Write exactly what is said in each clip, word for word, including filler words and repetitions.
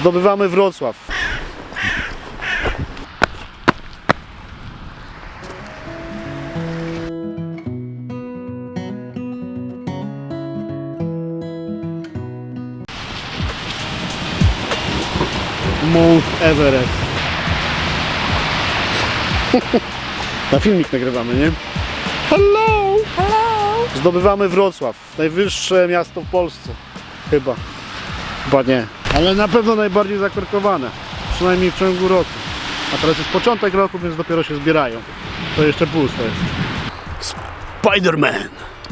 Zdobywamy Wrocław. Mount Everest. Na filmik nagrywamy, nie? Hello! Hello! Zdobywamy Wrocław. Najwyższe miasto w Polsce. Chyba. Chyba nie. Ale na pewno najbardziej zakorkowane. Przynajmniej w ciągu roku. A teraz jest początek roku, więc dopiero się zbierają. To jeszcze pusto jest. Spider-Man!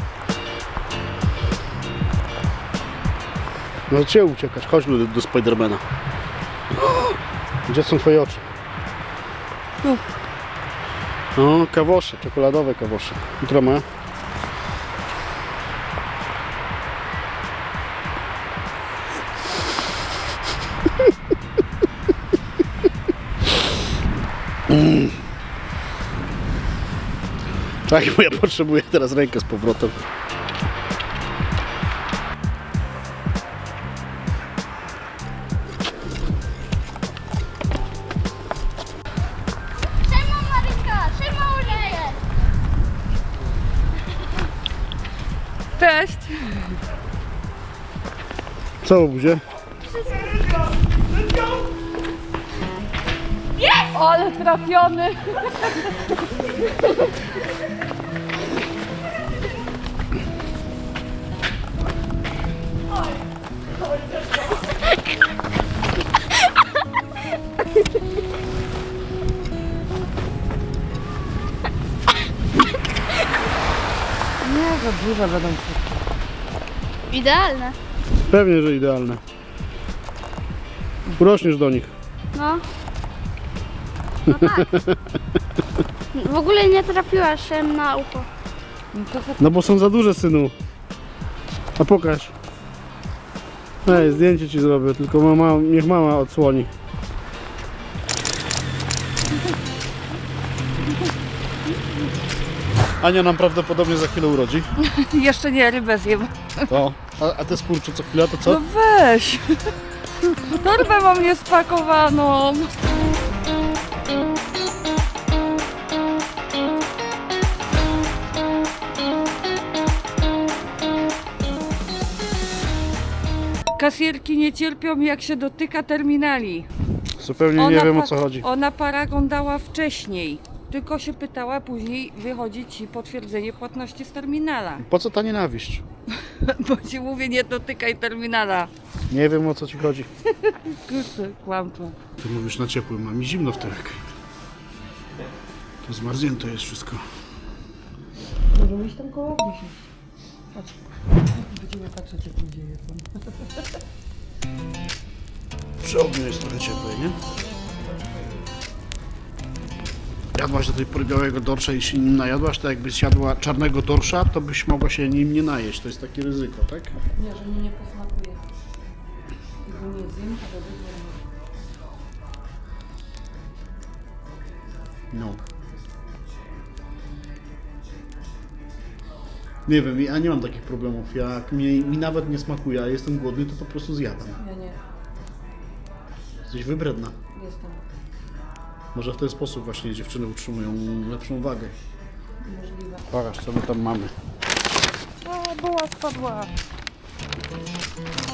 No gdzie uciekasz? Chodźmy do, do Spidermana. Gdzie są twoje oczy? Tu. O, kawosze, czekoladowe kawosze. Jutro ma. Mm. Tak, bo ja potrzebuję teraz rękę z powrotem. Cześć! Co u buzie? Ale trafiony! Nie, za duże będą wszystkie. Idealne. Pewnie, że idealne. Urośniesz do nich. No. No tak. W ogóle nie trafiłaś em, na ucho. No to za... No bo są za duże, synu. A pokaż. Ej, zdjęcie ci zrobię, tylko mama, niech mama odsłoni. Ania nam prawdopodobnie za chwilę urodzi. Jeszcze nie, rybę zjem. To. A, a te skurcze co chwila to co? No weź! Torbę mam niespakowaną. Kasjerki nie cierpią, jak się dotyka terminali. Zupełnie nie wiem o co pa- chodzi. Ona paragon dała wcześniej, tylko się pytała, później wychodzi ci potwierdzenie płatności z terminala. Po co ta nienawiść? Bo ci mówię, nie dotykaj terminala. Nie wiem o co ci chodzi. Kurczę, kłamca. Ty mówisz na ciepłym, a mi zimno w tyłek. To zmarznięte jest wszystko. Możemy iść tam koło mnie. Patrz. Będziemy patrzeć, jak ludzie jedzą. Przy ogniu jest trochę ciepłej, nie? Jadłaś do tej pory białego dorsza i się nim najadłaś, to jakbyś jadła czarnego dorsza, to byś mogła się nim nie najeść. To jest takie ryzyko, tak? Nie, że mi nie posmakuje. Tego nie zjem, to będzie. No. Nie wiem, ja nie mam takich problemów. Jak mi, mi nawet nie smakuje, a jestem głodny, to po prostu zjadam. Ja nie, Jesteś wybredna. jestem. Może w ten sposób właśnie dziewczyny utrzymują lepszą wagę. Możliwe. Pokaż, co my tam mamy. A, była spadła.